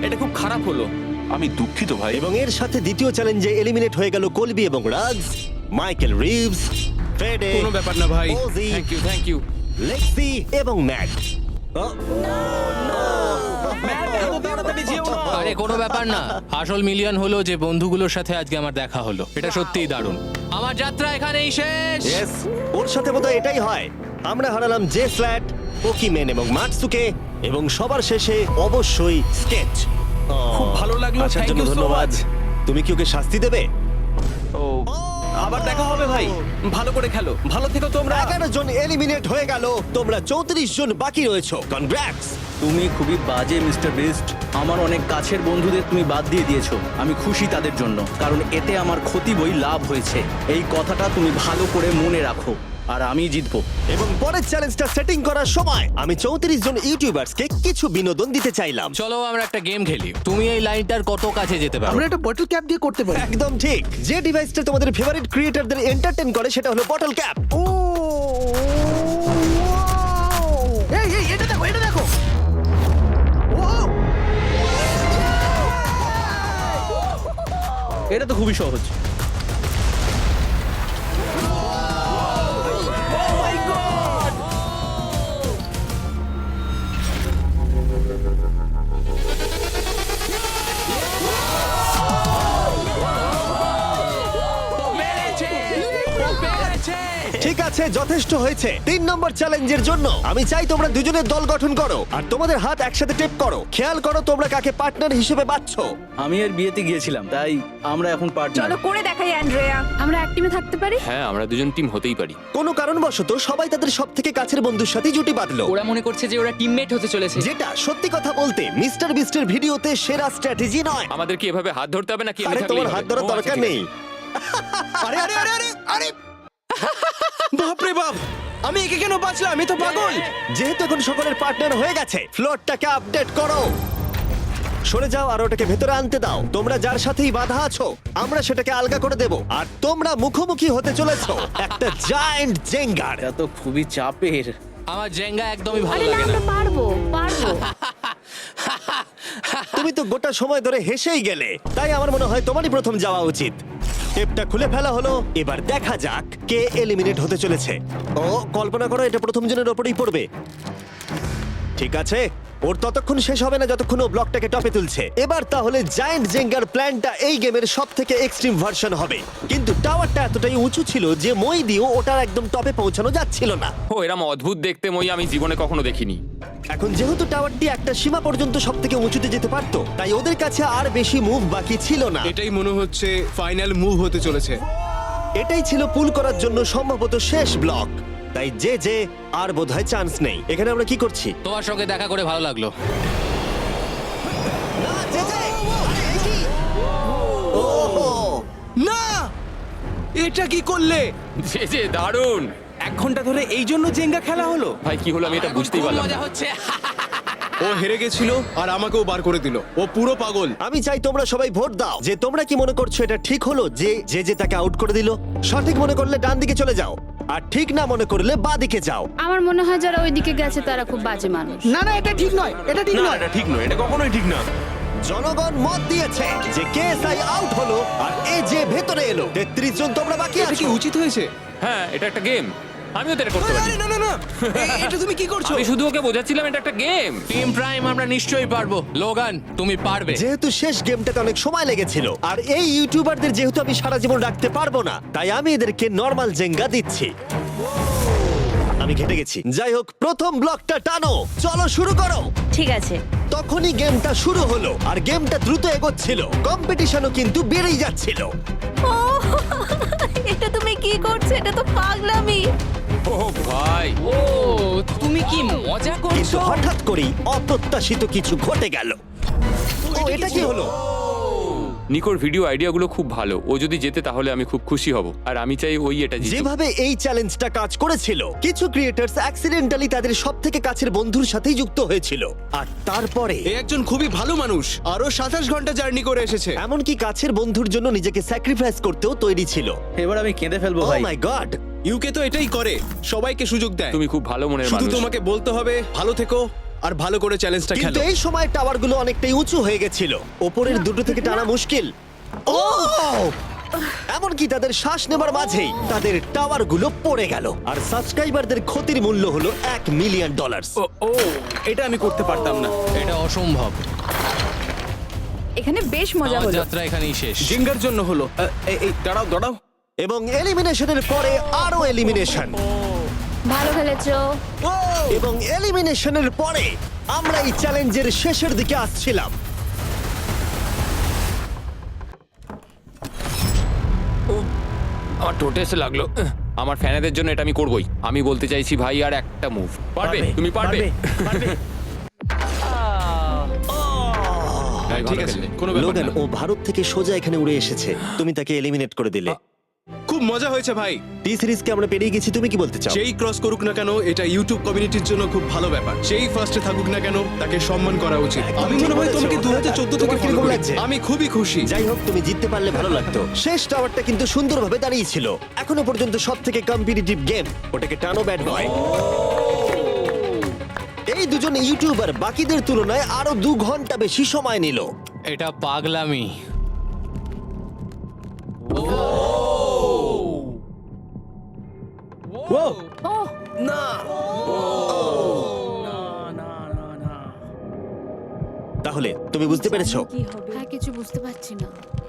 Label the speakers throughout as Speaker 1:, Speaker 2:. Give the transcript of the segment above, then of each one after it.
Speaker 1: এটা খুব খারাপ হলো।
Speaker 2: আমি দুঃখিত ভাই।
Speaker 3: এবং এর সাথে দ্বিতীয় চ্যালেঞ্জে এলিমিনেট হয়ে গেল কলবি এবং রাগস, মাইকেল রিভস, ফেডে,
Speaker 1: কোনো ব্যাপার না ভাই।
Speaker 3: OG,
Speaker 1: thank you.
Speaker 3: লেক্সি এবং ম্যাট।
Speaker 4: আরে কোনো ব্যাপার না, আসল মিলিয়ন হলো যে বন্ধুগুলোর সাথে আজকে আমার দেখা হলো। এটা সত্যিই দারুণ। আমার যাত্রা এখানেই শেষ।
Speaker 3: ইয়েস, ওর সাথে বোধহয় এটাই হয়। আমরা হারালাম জে ফ্ল্যাট, পোকিমেন এবং মাটসুকে, এবং সবার শেষে অবশ্যই স্কেচ।
Speaker 1: খুব ভালো লাগলো,
Speaker 3: আসার
Speaker 1: থ্যাংক
Speaker 3: জন্য
Speaker 1: ইউ সো
Speaker 3: ধন্যবাদ।
Speaker 1: মাচ।
Speaker 3: তুমি কি ওকে শাস্তি দেবে?
Speaker 2: ও
Speaker 1: আবার দেখা হবে ভাই, ভালো করে খেলো, ভালো থেকো তোমরা।
Speaker 3: 11 জন এলিমিনেট হয়ে গেল, তোমরা 34 জন বাকি রয়েছো। কনগ্রাটস।
Speaker 5: তুমি খুবই বাজে মিস্টার বিস্ট। আমার অনেক কাছের বন্ধুদের তুমি বাদ দিয়ে দিয়েছো। আমি খুশি তাদের জন্য, কারণ এতে আমার ক্ষতি বই লাভ হয়েছে। এই কথাটা তুমি ভালো করে মনে রাখো, আর আমি জিতবো।
Speaker 3: এবং পরের চ্যালেঞ্জটা সেটিং করার সময় আমি 34 জন ইউটিউবার্সকে কিছু বিনোদন দিতে চাইলাম।
Speaker 4: চলো আমরা একটা গেম খেলি। তুমি এই লাইনটার কত কাছে যেতে পারো?
Speaker 6: আমরা একটা বটল ক্যাপ দিয়ে করতে পারি।
Speaker 3: একদম ঠিক। যে ডিভাইসটা তোমাদের ফেভারিট ক্রিয়েটরদের এন্টারটেইন করে সেটা হলো বটল ক্যাপ।
Speaker 6: ও এই এই এটা দেখো, এটা দেখো। ও
Speaker 5: এটা তো খুবই সহজ।
Speaker 3: ঠিক আছে, যথেষ্ট হয়েছে। 3 নম্বর চ্যালেঞ্জের জন্য আমি চাই তোমরা দুজনের দল গঠন করো আর তোমাদের হাত একসাথে টেপ করো। খেয়াল করো তোমরা কাকে পার্টনার হিসেবে বাছছো।
Speaker 5: আমি এর বিয়েতে গিয়েছিলাম, তাই আমরা এখন পার্টনার।
Speaker 7: চলো করে দেখাই অ্যান্ড্রেয়া, আমরা এক টিমে থাকতে পারি।
Speaker 1: হ্যাঁ, আমরা দুজন টিম হতেই পারি।
Speaker 3: কোনো কারণবশত সবাই তাদের সবথেকে কাছের বন্ধুর সাথে জুটি বাঁধলো,
Speaker 8: ওরা মনে করছে যে ওরা টিমমেট হতে চলেছে।
Speaker 3: যেটা সত্যি কথা বলতে মিস্টার বিস্টের ভিডিওতে সেরা স্ট্র্যাটেজি নয়।
Speaker 1: আমাদের কি এভাবে হাত ধরতে হবে নাকি
Speaker 3: আরে তোমার হাত ধরার দরকার নেই।
Speaker 1: আরে আরে আরে আরে আরে বাপ রে বাপ, আমি একে কেন বাঁচলাম? আমি তো পাগল।
Speaker 3: যেহেতু এখন সকলের পার্টনার হয়ে গেছে, ফ্লোরটাকে আপডেট করো। সরে যাও আর ওটাকে ভেতরে আনতে দাও। তোমরা যার সাথেই বাধা আছো আমরা সেটাকে আলগা করে দেব। আর তোমরা মুখোমুখি হতে চলেছো একটা জায়ান্ট জেঙ্গার।
Speaker 5: এটা তো খুবই চাপের।
Speaker 4: আমার জেঙ্গা একদমই ভালো
Speaker 7: আরে না,
Speaker 4: লাগে না।
Speaker 7: আমরা পারবো পারবো।
Speaker 3: তুমি তো গোটা সময় ধরে হেসেই গেলে, তাই আমার মনে হয় তোমারই প্রথম যাওয়া উচিত। টেপটা খুলে ফেলা হলো, এবার দেখা যাক কে এলিমিনেট হতে চলেছে। ও কল্পনা করো এটা প্রথম জনের ওপরেই পড়বে। ঠিক আছে, ওর ততক্ষণ শেষ হবে না যতক্ষণ ও ব্লকটাকে টপে তুলছে। এবার তাহলে জায়ান্ট জেঙ্গার প্ল্যানটা এই গেমের সবথেকে এক্সট্রিম ভার্সন হবে। কিন্তু টাওয়ারটা এতটাই উঁচু ছিল যে মই দিয়েও ওটার একদম টপে পৌঁছানো যাচ্ছিল না।
Speaker 1: ও এরম অদ্ভুত দেখতে মই আমি জীবনে কখনো দেখিনি।
Speaker 3: এখন যেহেতু টাওয়ারটি একটা সীমা পর্যন্ত সবথেকে উঁচুতে যেতে পারতো, তাই ওদের কাছে আর বেশি মুভ বাকি ছিল না।
Speaker 9: এটাই মনে হচ্ছে ফাইনাল মুভ হতে চলেছে।
Speaker 3: এটাই ছিল পুল করার জন্য সম্ভবত শেষ ব্লক, তাই যে আর বোধহয় চান্স নেই। এখানে আমরা কি করছি?
Speaker 4: তোমার সঙ্গে দেখা করে ভালো লাগলো।
Speaker 9: না, এটা কি করলে?
Speaker 1: যে দারুণ।
Speaker 9: 1 ঘন্টা ধরে এই জন্য জেঙ্গা খেলা হলো।
Speaker 1: ভাই কি হলো আমি এটা বুঝতেই
Speaker 4: খুব
Speaker 1: পারলাম
Speaker 4: মজা
Speaker 1: না।
Speaker 4: হচ্ছে।
Speaker 9: ও হেরে গেছিল আর আমাকেও বার করে দিল। ও পুরো পাগল।
Speaker 3: আমি চাই তোমরা সবাই ভোট দাও যে তোমরা কি মনে করছো এটা ঠিক হলো যে তাকে আউট করে দিল। সঠিক মনে করলে ডান দিকে চলে যাও, আর ঠিক না মনে করলে বাঁ দিকে যাও।
Speaker 7: আমার মনে হয় যারা ওইদিকে গেছে তারা খুব বাজে মানুষ।
Speaker 6: না না, এটা ঠিক নয়, এটা ঠিক নয়।
Speaker 2: এটা ঠিক নয়, এটা কখনোই ঠিক না।
Speaker 3: জনগণ মত দিয়েছে যে কেএসআই আউট হলো আর এ যে ভেতরে এলো। 33 জন তোমরা বাকি
Speaker 9: এটা কি
Speaker 3: আছো।
Speaker 9: উচিত হয়েছে?
Speaker 1: হ্যাঁ, এটা একটা গেম, আমিও তো এটা করতে পারি।
Speaker 9: না না না, এটা তুমি কি করছো?
Speaker 1: আমি শুধু ওকে বোঝাচ্ছিলাম এটা একটা গেম।
Speaker 4: টিম প্রাইম আমরা নিশ্চয়ই পারবো। লোগান তুমি পারবে।
Speaker 3: যেহেতু শেষ গেমটাতে অনেক সময় লেগেছিল আর এই ইউটিউবারদের যেহেতু আমি সারা জীবন রাখতে পারবো না, তাই আমি এদেরকে নরমাল জেঙ্গা দিচ্ছি। আমি ঘেটে গেছি। যাই হোক, প্রথম ব্লকটা টানো, চলো শুরু করো।
Speaker 7: ঠিক আছে।
Speaker 3: তখনই গেমটা শুরু হলো আর গেমটা দ্রুত এগোচ্ছিল, কম্পিটিশনও কিন্তু বেড়েই যাচ্ছিল।
Speaker 7: ও এটা তুমি কি করছো? এটা তো পাগলামি।
Speaker 1: ও ভাই,
Speaker 8: ও তুমি কি মজা
Speaker 3: কিন্তু
Speaker 8: করছো?
Speaker 3: হঠাৎ করেই অপ্রত্যাশিত কিছু ঘটে গেল। ও এটা কি হলো?
Speaker 1: নিকোর ভিডিও আইডিয়াগুলো খুব ভালো। ও যদি জেতে তাহলে আমি খুব খুশি হব, আর আমি চাই ওই এটা জিতুক।
Speaker 3: যেভাবে এই চ্যালেঞ্জটা কাজ করেছিল, কিছু ক্রিয়েটার্স অ্যাক্সিডেন্টালি তাদের সবথেকে কাছের বন্ধুর সাথেই যুক্ত হয়েছিল, আর তারপরে
Speaker 9: এ একজন খুবই ভালো মানুষ, আরো 27 ঘন্টা জার্নি করে এসেছে।
Speaker 3: এমনকি কাছের বন্ধুর জন্য নিজেকে স্যাক্রিফাইস করতেও তৈরি ছিল।
Speaker 5: এবার আমি কেঁদে ফেলবো
Speaker 3: ও
Speaker 5: ভাই।
Speaker 3: মাই গড।
Speaker 9: ইউকে তো এটাই করে, সবাইকে সুযোগ দেয়।
Speaker 1: তুমি খুব ভালো মনের
Speaker 9: শুধু
Speaker 1: মানুষ।
Speaker 9: তোমাকে বলতে হবে ভালো থেকো আর ভালো করে চ্যালেঞ্জটা
Speaker 3: কিন্তু
Speaker 9: খেলো।
Speaker 3: এই সময় টাওয়ারগুলো অনেকটাই উঁচু হয়ে গেছিল ওপরের দুটো থেকে টানা মুশকিল ও এমনকি তাদের শ্বাস নেবার মাঝেই তাদের টাওয়ারগুলো পড়ে গেল আর সাবস্ক্রাইবারদের ক্ষতির মূল্য হলো $1 মিলিয়ন
Speaker 9: ও এটা আমি করতে পারতাম না।
Speaker 4: এটা অসম্ভব।
Speaker 7: এখানে বেশ মজা
Speaker 4: আমার
Speaker 7: হলো।
Speaker 4: যাত্রা এখানেই শেষ।
Speaker 9: জিঙ্গার জন্য হলো। এই দাঁড়াও দাঁড়াও।
Speaker 3: এবং এলিমিনেশনের পরে আরো এলিমিনেশন
Speaker 7: ভালো খেলেছো।
Speaker 3: এবং এলিমিনেশনের পরে আমরা এই চ্যালেঞ্জের শেষের দিকে আসছিলাম
Speaker 10: আমার টোটে এসে লাগলো। আমার ফ্যানেদের জন্য এটা আমি করবই। আমি বলতে চাইছি ভাই, আর একটা মুভ পারবে, তুমি পারবে। ভাই, ভালো
Speaker 9: ঠিক আছে,
Speaker 10: খেললে।
Speaker 9: কোনো ব্যাপার
Speaker 3: লোগান
Speaker 9: না।
Speaker 3: ও ভারত থেকে সোজা এখানে উড়ে এসেছে তুমি তাকে এলিমিনেট করে দিলে
Speaker 9: খুব মজা হয়েছে ভাই।
Speaker 3: টি সিরিজকে আমরা পেরিয়ে গেছি তুমি কি বলতে চাও
Speaker 9: যেই ক্রস করুক না কেন, এটা ইউটিউব কমিউনিটির জন্য খুব ভালো ব্যাপার। যেই ফার্স্টে থাকুক না কেন, তাকে সম্মান করা উচিত।
Speaker 3: একদম
Speaker 9: আমি
Speaker 3: ঠিক
Speaker 9: মনে হয়
Speaker 3: বলেছো।
Speaker 9: তোমাকে 2014 থেকে
Speaker 3: তোমার
Speaker 9: ফলো
Speaker 3: কিরকম
Speaker 9: করি।
Speaker 3: লাগছে?
Speaker 9: আমি খুবই খুশি।
Speaker 3: যাই হোক তুমি জিততে পারলে ভালো লাগতো শেষ টাওয়ারটা কিন্তু সুন্দরভাবে দাঁড়িয়ে ছিল এখনো পর্যন্ত সব থেকে কম্পিটিটিভ গেম ওটাকে টানো ব্যাট বয় এই দুজন ইউটিউবার বাকিদের তুলনায় আরো 2 ঘন্টা বেশি সময় নিল
Speaker 4: এটা পাগলামি।
Speaker 3: তাহলে তুমি বুঝতে পেরেছো
Speaker 7: কি হবে? হ্যাঁ, কিছু বুঝতে পারছি না।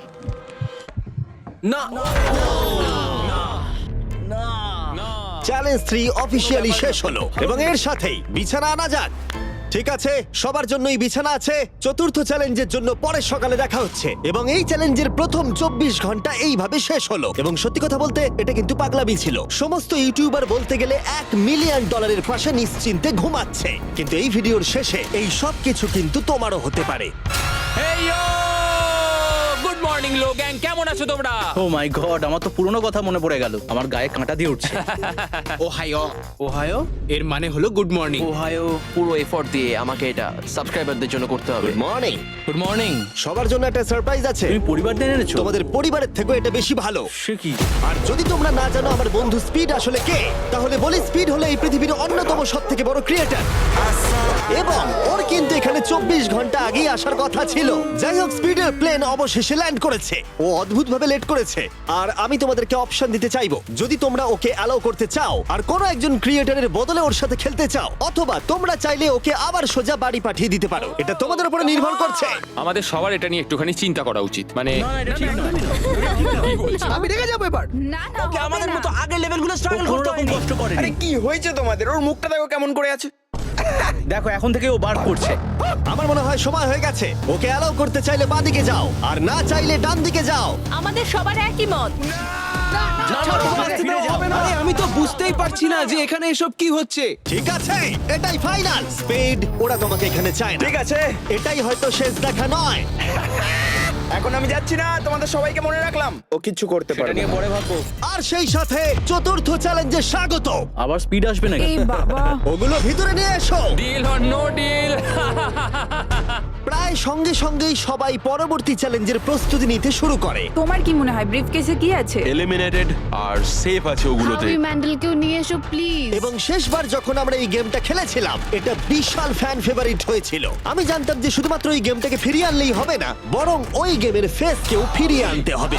Speaker 3: চ্যালেঞ্জ 3 অফিসিয়ালি শেষ হলো এবং এর সাথেই বিছানা আনা যাক ঠিক আছে সবার জন্যই বিছানা আছে চতুর্থ চ্যালেঞ্জের জন্য পরের সকালে দেখা হচ্ছে এবং এই চ্যালেঞ্জের প্রথম 24 ঘন্টা এইভাবে শেষ হলো এবং সত্যি কথা বলতে এটা কিন্তু পাগলামি ছিল সমস্ত ইউটিউবার বলতে গেলে $1 মিলিয়ন পাশে নিশ্চিন্তে ঘুমাচ্ছে কিন্তু এই ভিডিওর শেষে এই সব কিছু কিন্তু তোমারও হতে পারে
Speaker 10: গুড মর্নিং লো গ্যাং, কেমন আছো তোমরা?
Speaker 5: ও মাই গড, আমার তো পুরনো কথা মনে পড়ে গেল। আমার গায়ে কাঁটা দিয়ে উঠছে।
Speaker 9: ওহাইও। ওহাইও এর মানে হলো গুড মর্নিং।
Speaker 1: ওহাইও পুরো এফোর্ট দিয়ে আমাকে এটা সাবস্ক্রাইবারদের জন্য করতে হবে।
Speaker 3: Good morning
Speaker 4: good morning.
Speaker 3: সবার জন্য একটা সারপ্রাইজ আছে
Speaker 5: তুমি পরিবার দিয়ে এনেছো?
Speaker 3: তোমাদের পরিবারের থেকেও এটা বেশি ভালো
Speaker 5: সে কি?
Speaker 3: আর যদি তোমরা না জানো আমার বন্ধু স্পিড আসলে কে তাহলে বলি স্পিড হলো এই পৃথিবীর অন্যতম সবথেকে বড় ক্রিয়েটর এবং ওর কিন্তু এখানে 24 ঘন্টা আগেই আসার কথা ছিল যাই হোক স্পিডের প্লেন অবশেষে ল্যান্ড করেছে ও অদ্ভুতভাবে লেট করেছে আর আমি তোমাদেরকে অপশন দিতে চাইবো যদি তোমরা ওকে অ্যালাউ করতে চাও আর কোনো একজন ক্রিয়েটরের বদলে ওর সাথে খেলতে চাও অথবা তোমরা চাইলে ওকে আবার সোজা বাড়ি পাঠিয়ে দিতে পারো এটা তোমাদের উপরে নির্ভর করছে
Speaker 10: আমাদের সবার এটা নিয়ে একটুখানি চিন্তা করা উচিত। মানে
Speaker 6: আমি রেগে যাবো এবার।
Speaker 7: না না, আমাদের মতো
Speaker 1: আগের লেভেলগুলো স্ট্রাগল
Speaker 5: কোনো রকম কষ্ট করেনি।
Speaker 1: আরে কি হয়েছে তোমাদের? ওর মুখটা দেখো কেমন করে আছে।
Speaker 5: দেখো এখন থেকে ও বার করছে।
Speaker 3: আমার মনে হয় সময় হয়ে গেছে ওকে অ্যালাউ করতে চাইলে বাঁদিকে যাও আর না চাইলে ডান দিকে যাও
Speaker 7: আমাদের সবার একই মত।
Speaker 9: আরে আমি তো বুঝতেই পারছি না যে এখানে এসব কি হচ্ছে।
Speaker 3: ঠিক আছে এটাই ফাইনাল স্পিড ওরা তোমাকে এখানে চায় না
Speaker 1: ঠিক আছে,
Speaker 3: এটাই হয়তো শেষ দেখা নয়
Speaker 1: এখন আমি যাচ্ছি না, তোমাদের সবাইকে মনে রাখলাম। ও কিচ্ছু করতে
Speaker 5: এটা
Speaker 1: পারে
Speaker 5: নিয়ে
Speaker 1: না।
Speaker 5: পরে ভাববো।
Speaker 3: আর সেই সাথে চতুর্থ চ্যালেঞ্জে স্বাগত
Speaker 5: আবার স্পিড আসবে নাকি?
Speaker 7: এই বাবা,
Speaker 3: ওগুলো ভিতরে নিয়ে এসো
Speaker 10: ডিল অর নো ডিল।
Speaker 3: প্রায় সঙ্গে সঙ্গেই সবাই পরবর্তী চ্যালেঞ্জের প্রস্তুতি নিতে শুরু করে
Speaker 7: তোমার কি মনে হয় ব্রিফকেসে কি আছে?
Speaker 2: এলিমিনেটেড আর সেফ আছে ওগুলোতে।
Speaker 7: ম্যান্ডেলকেও নিয়ে এসো প্লিজ।
Speaker 3: এবং শেষবার যখন আমরা এই গেমটা খেলেছিলাম এটা বিশাল ফ্যান ফেভারিট হয়েছিল আমি জানতাম যে শুধুমাত্র এই গেমটাকে ফিরিয়ে আনলেই হবে না বরং ওই গেমের ফেসকেও ফিরিয়ে আনতে হবে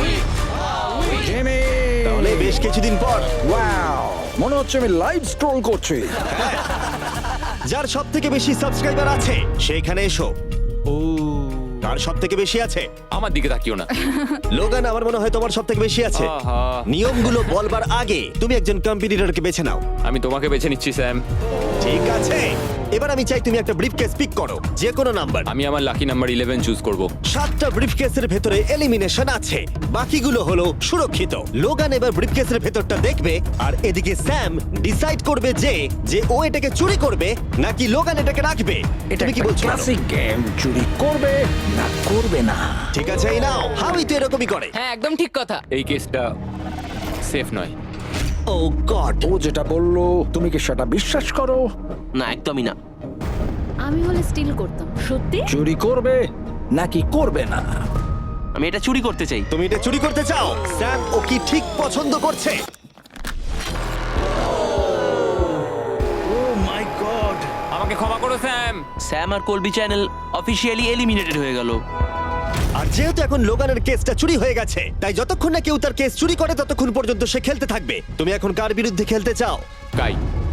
Speaker 3: তাহলে বেশ কিছুদিন পর
Speaker 6: মনে হচ্ছে আমি লাইভ স্ট্রোল করছি।
Speaker 3: যার সব থেকে বেশি সাবস্ক্রাইবার আছে সেইখানে এসো ও কার সব থেকে বেশি আছে
Speaker 10: আমার দিকে তাকিও না।
Speaker 3: লোগান আমার মনে হয় তোমার সব থেকে বেশি আছে
Speaker 10: আহা।
Speaker 3: নিয়মগুলো বলবার আগে তুমি একজন কম্পিটিটরকে বেছে নাও
Speaker 10: আমি তোমাকে বেছে নিচ্ছি স্যাম।
Speaker 3: ঠিক আছে এবার আমি চাই তুমি একটা ব্রিফকেস পিক করো যে কোনো নাম্বার
Speaker 10: আমি আমার লাকি নাম্বার 11 চুজ করব।
Speaker 3: 7টা ব্রিফকেসের ভেতরে এলিমিনেশন আছে বাকিগুলো হলো সুরক্ষিত লোগান এবার ব্রিফকেসের ভেতরটা দেখবে আর এদিকে স্যাম ডিসাইড করবে যে ও এটাকে চুরি করবে নাকি লোগান এটাকে রাখবে তুমি কি বলছো বলো?
Speaker 6: গেম চুরি করবে না করবে না।
Speaker 3: ঠিক আছে এই নাও হাউই তো এরকমই করে
Speaker 8: হ্যাঁ একদম ঠিক কথা।
Speaker 10: এই কেসটা সেফ নয়।
Speaker 3: ও গড
Speaker 6: ও যেটা বললো তুমি কি সেটা বিশ্বাস করো?
Speaker 1: না, একদমই না।
Speaker 7: আমি হলে স্টিল করতাম। সত্যি?
Speaker 6: চুরি করবে নাকি করবে না?
Speaker 1: আমি এটা চুরি করতে চাই।
Speaker 3: তুমি এটা চুরি করতে চাও স্যাম ও কি ঠিক পছন্দ করছে
Speaker 5: ও মাই গড,
Speaker 10: আমাকে আমাকে ক্ষমা করো স্যাম।
Speaker 5: স্যাম আর কলবি চ্যানেল অফিসিয়ালি এলিমিনেটেড হয়ে গেল।
Speaker 3: আর যেহেতু এখন লোগানের কেসটা চুরি হয়ে গেছে, তাই যতক্ষণ না কেউ তার কেস চুরি করে ততক্ষণ পর্যন্ত সে খেলতে থাকবে। তুমি এখন কার বিরুদ্ধে খেলতে চাও?
Speaker 10: কাই।